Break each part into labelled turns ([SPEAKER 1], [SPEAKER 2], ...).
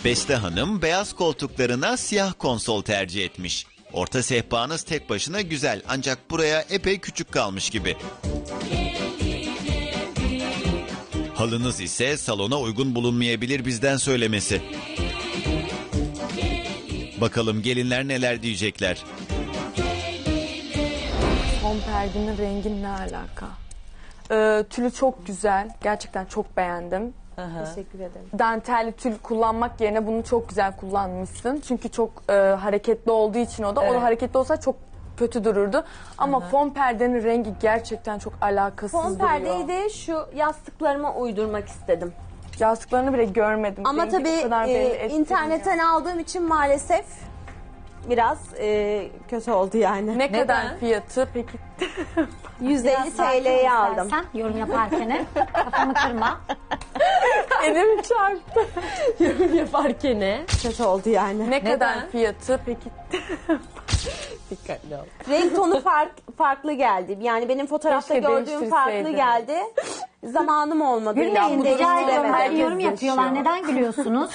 [SPEAKER 1] Beste Hanım beyaz koltuklarına siyah konsol tercih etmiş. Orta sehpanız tek başına güzel ancak buraya epey küçük kalmış gibi. Halınız ise salona uygun bulunmayabilir bizden söylemesi. Bakalım gelinler neler diyecekler.
[SPEAKER 2] Fon perdenin rengi ne alaka? Tülü çok güzel. Gerçekten çok beğendim.
[SPEAKER 3] Teşekkür ederim.
[SPEAKER 2] Dantelli tül kullanmak yerine bunu çok güzel kullanmışsın. Çünkü çok hareketli olduğu için o da. O da hareketli olsa çok kötü dururdu. Ama fon perdenin rengi gerçekten çok alakasız
[SPEAKER 3] Fon
[SPEAKER 2] duruyor.
[SPEAKER 3] perdeyi de şu yastıklarıma uydurmak istedim.
[SPEAKER 2] Yastıklarını bile görmedim.
[SPEAKER 3] Ama
[SPEAKER 2] Rengi o
[SPEAKER 3] tabii
[SPEAKER 2] kadar belli ettirmiyor.
[SPEAKER 3] internetten aldığım için maalesef biraz kötü oldu yani.
[SPEAKER 2] Ne kadar fiyatı peki?
[SPEAKER 3] 150 TL'ye aldım.
[SPEAKER 4] Sen yorum yaparken kafamı kırma.
[SPEAKER 2] Elim çarptı.
[SPEAKER 3] Yaparken ne? Kötü oldu yani.
[SPEAKER 2] Ne kadar fiyatı peki?
[SPEAKER 3] Dikkatli ol. Renk tonu farklı geldi. Yani benim fotoğrafta
[SPEAKER 2] Keşke
[SPEAKER 3] gördüğüm farklı
[SPEAKER 2] değiştirseydin.
[SPEAKER 3] geldi. Zamanım olmadı.
[SPEAKER 4] Gülmeyin de rica ediyorum.
[SPEAKER 2] herkes
[SPEAKER 4] Ben yorum yapıyorlar.
[SPEAKER 2] yaşıyor.
[SPEAKER 4] Neden gülüyorsunuz?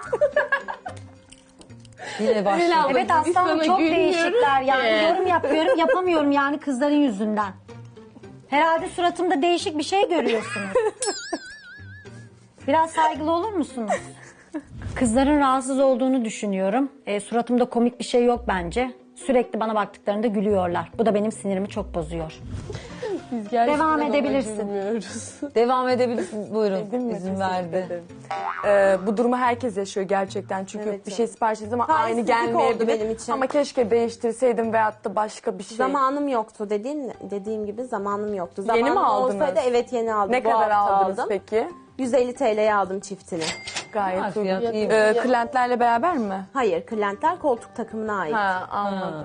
[SPEAKER 5] Yine başladı.
[SPEAKER 4] Evet aslanım çok değişikler. Yani yorum yapıyorum yapamıyorum yani kızların yüzünden. Herhalde suratımda değişik bir şey görüyorsunuz. Biraz saygılı olur musunuz? Kızların rahatsız olduğunu düşünüyorum. Suratımda komik bir şey yok bence. Sürekli bana baktıklarında gülüyorlar. Bu da benim sinirimi çok bozuyor. Devam edebilirsin.
[SPEAKER 5] Devam edebilirsin. Buyurun. İzin verdi.
[SPEAKER 2] Bu durumu herkes yaşıyor gerçekten. Çünkü
[SPEAKER 3] Evet,
[SPEAKER 2] bir şey sipariş ettim ama aynı
[SPEAKER 3] Talihsizlik
[SPEAKER 2] gelmeyebilir.
[SPEAKER 3] oldu benim için.
[SPEAKER 2] Ama keşke değiştirseydim veyahut da başka bir şey.
[SPEAKER 3] Zamanım yoktu dediğim gibi zamanım yoktu.
[SPEAKER 2] Yeni mi
[SPEAKER 3] Zamanım
[SPEAKER 2] aldınız?
[SPEAKER 3] olsaydı evet yeni aldım.
[SPEAKER 2] Ne
[SPEAKER 3] Bu
[SPEAKER 2] kadar
[SPEAKER 3] hafta
[SPEAKER 2] aldınız
[SPEAKER 3] aldım.
[SPEAKER 2] peki?
[SPEAKER 3] 150 TL'ye aldım çiftini.
[SPEAKER 2] Gayet
[SPEAKER 5] Ha,
[SPEAKER 2] uygun.
[SPEAKER 5] fiyat iyi.
[SPEAKER 2] Kırlentlerle beraber mi?
[SPEAKER 3] Hayır, kırlentler koltuk takımına ait.
[SPEAKER 2] Ha, anladım.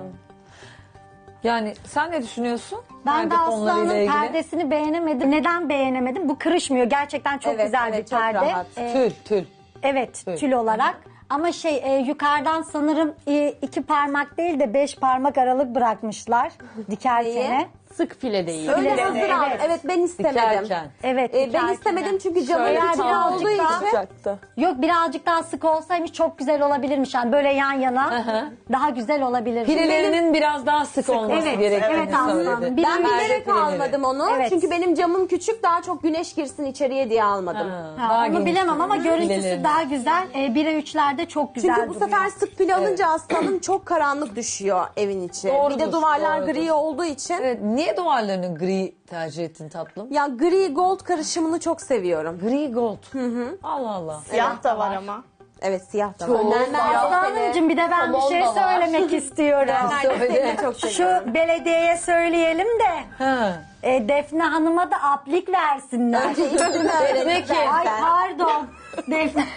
[SPEAKER 5] Yani sen ne düşünüyorsun?
[SPEAKER 4] Ben
[SPEAKER 5] Perde
[SPEAKER 4] de
[SPEAKER 5] konularıyla
[SPEAKER 4] Aslan'ın
[SPEAKER 5] ilgili.
[SPEAKER 4] perdesini beğenemedim. Neden beğenemedim? Bu kırışmıyor. Gerçekten çok
[SPEAKER 3] Evet,
[SPEAKER 4] güzel
[SPEAKER 3] evet,
[SPEAKER 4] bir
[SPEAKER 3] çok
[SPEAKER 4] perde.
[SPEAKER 3] rahat.
[SPEAKER 5] Tül.
[SPEAKER 4] Evet, tül olarak. Ama yukarıdan sanırım 2 parmak değil de 5 parmak aralık bırakmışlar dikerkene.
[SPEAKER 6] Sık file değil.
[SPEAKER 3] Öyle
[SPEAKER 4] Evet,
[SPEAKER 3] hazır
[SPEAKER 4] evet.
[SPEAKER 3] aldım. Evet ben istemedim.
[SPEAKER 5] Dikerken.
[SPEAKER 4] Evet,
[SPEAKER 3] Ben
[SPEAKER 4] dikerkene.
[SPEAKER 3] istemedim çünkü camın
[SPEAKER 2] Şöyle
[SPEAKER 3] içi
[SPEAKER 4] birazcık
[SPEAKER 3] olduğu
[SPEAKER 4] daha-
[SPEAKER 3] için.
[SPEAKER 2] Olacaktı.
[SPEAKER 4] Yok birazcık daha sık olsaymış çok güzel olabilirmiş. Yani böyle yan yana daha güzel olabilir.
[SPEAKER 5] Pirelerinin biraz daha sık olması
[SPEAKER 4] Evet,
[SPEAKER 5] gerektiğini
[SPEAKER 4] evet
[SPEAKER 5] söyledi.
[SPEAKER 4] aslanım.
[SPEAKER 3] Ben
[SPEAKER 5] Perde
[SPEAKER 3] bilerek
[SPEAKER 5] pireleri.
[SPEAKER 3] almadım onu.
[SPEAKER 4] Evet.
[SPEAKER 3] Çünkü benim camım küçük, daha çok güneş girsin içeriye diye almadım.
[SPEAKER 4] Ha, onu
[SPEAKER 5] geniş
[SPEAKER 4] bilemem ama
[SPEAKER 5] pireleri.
[SPEAKER 4] görüntüsü daha güzel. 1'e 3'lerde çok güzel
[SPEAKER 3] Çünkü bu
[SPEAKER 4] duruyor.
[SPEAKER 3] sefer sık pil alınca aslanım çok karanlık düşüyor evin içi. Bir de duvarlar gri olduğu için.
[SPEAKER 5] Evet, niye duvarlarını gri tercih ettin tatlım?
[SPEAKER 3] Ya gri gold karışımını çok seviyorum.
[SPEAKER 5] Gri gold. Allah Allah.
[SPEAKER 6] Siyah da var ama.
[SPEAKER 3] Evet siyah da var.
[SPEAKER 4] Aslanımcığım bir de ben bir şey söylemek istiyorum.
[SPEAKER 3] Seni çok seviyorum.
[SPEAKER 4] Şu belediyeye söyleyelim de
[SPEAKER 5] Ha.
[SPEAKER 4] Defne Hanım'a da aplik versinler.
[SPEAKER 3] Önce ismini öğrenip
[SPEAKER 4] Ay
[SPEAKER 3] versen.
[SPEAKER 4] pardon. Defne.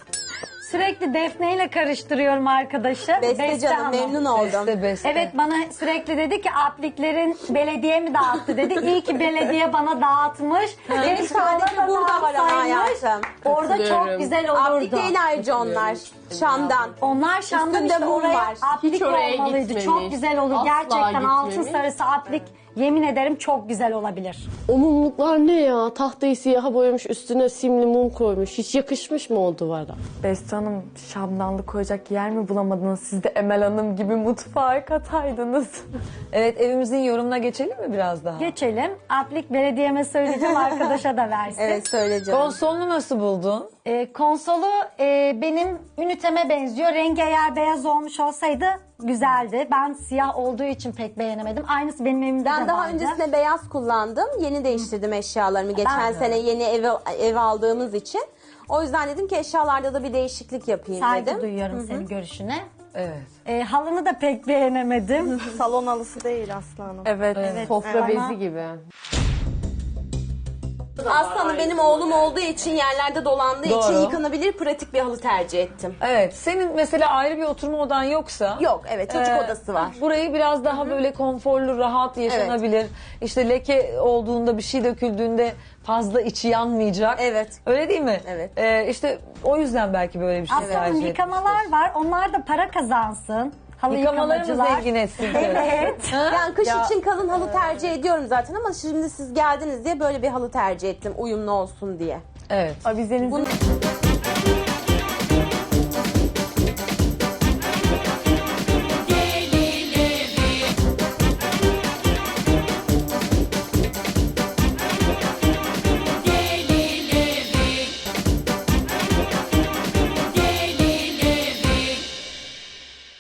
[SPEAKER 4] Sürekli Defne ile karıştırıyorum arkadaşı.
[SPEAKER 3] Beste canım
[SPEAKER 4] Hanım.
[SPEAKER 3] memnun oldum.
[SPEAKER 5] Beste.
[SPEAKER 4] Evet bana sürekli dedi ki apliklerin belediye mi dağıttı dedi. İyi ki belediye bana dağıtmış.
[SPEAKER 3] Benim sadece burada var ama hayatım.
[SPEAKER 4] Orada çok
[SPEAKER 6] Katılıyorum.
[SPEAKER 4] güzel
[SPEAKER 3] Aplik
[SPEAKER 4] olurdu.
[SPEAKER 3] değil ayrıca onlar. Şam'dan.
[SPEAKER 4] Onlar Şam'dan
[SPEAKER 3] Üstünde
[SPEAKER 4] işte
[SPEAKER 3] mum
[SPEAKER 4] oraya
[SPEAKER 3] var.
[SPEAKER 4] aplik
[SPEAKER 6] Hiç oraya
[SPEAKER 4] olmalıydı.
[SPEAKER 6] gitmemiş.
[SPEAKER 4] Çok güzel olur.
[SPEAKER 6] Asla
[SPEAKER 4] Gerçekten altın
[SPEAKER 6] gitmemiş.
[SPEAKER 4] sarısı aplik yemin ederim çok güzel olabilir.
[SPEAKER 6] O mumluklar ne ya? Tahtayı siyaha boyamış, üstüne simli mum koymuş. Hiç yakışmış mı o duvara?
[SPEAKER 2] Beste Hanım şamdanlık koyacak yer mi bulamadınız? Siz de Emel Hanım gibi mutfağa kataydınız.
[SPEAKER 5] Evet, evimizin yorumuna geçelim mi biraz daha?
[SPEAKER 4] Geçelim. Aplik belediyeme söyleyeceğim arkadaşa da versin.
[SPEAKER 3] Evet söyle canım.
[SPEAKER 5] Konsolunu nasıl buldun?
[SPEAKER 4] Konsolu benim üniteme benziyor. Rengi eğer beyaz olmuş olsaydı güzeldi. Ben siyah olduğu için pek beğenemedim. Aynısı benim evimde de
[SPEAKER 3] Ben daha
[SPEAKER 4] vardı.
[SPEAKER 3] öncesinde beyaz kullandım. Yeni değiştirdim eşyalarımı. Geçen sene yeni ev aldığımız için. O yüzden dedim ki eşyalarda da bir değişiklik yapayım
[SPEAKER 4] Saygı
[SPEAKER 3] dedim.
[SPEAKER 4] duyuyorum senin görüşüne.
[SPEAKER 5] Evet.
[SPEAKER 4] Halını da pek beğenemedim.
[SPEAKER 7] Salon halısı değil aslanım.
[SPEAKER 2] Evet.
[SPEAKER 6] Sofra
[SPEAKER 4] Ama-
[SPEAKER 6] bezi gibi.
[SPEAKER 3] Aslanım benim oğlum olduğu için yerlerde dolandığı
[SPEAKER 5] Doğru.
[SPEAKER 3] için yıkanabilir pratik bir halı tercih ettim.
[SPEAKER 5] Evet, senin mesela ayrı bir oturma odan yoksa...
[SPEAKER 3] Yok evet çocuk odası var.
[SPEAKER 5] Burayı biraz daha böyle konforlu, rahat yaşanabilir. İşte leke olduğunda, bir şey döküldüğünde fazla içi yanmayacak.
[SPEAKER 3] Evet.
[SPEAKER 5] Öyle değil mi?
[SPEAKER 3] Evet.
[SPEAKER 5] İşte o yüzden belki böyle bir şey
[SPEAKER 4] Aslanım
[SPEAKER 5] tercih
[SPEAKER 4] yıkamalar var. Onlar da para kazansın. Halı
[SPEAKER 5] Yıkamaları mı
[SPEAKER 4] yıkamacılar.
[SPEAKER 5] zengin etsin?
[SPEAKER 4] Evet.
[SPEAKER 3] Yani kış için kalın halı tercih ediyorum zaten ama şimdi siz geldiniz diye böyle bir halı tercih ettim uyumlu olsun diye.
[SPEAKER 5] Evet.
[SPEAKER 2] Avizenizin
[SPEAKER 3] Bunu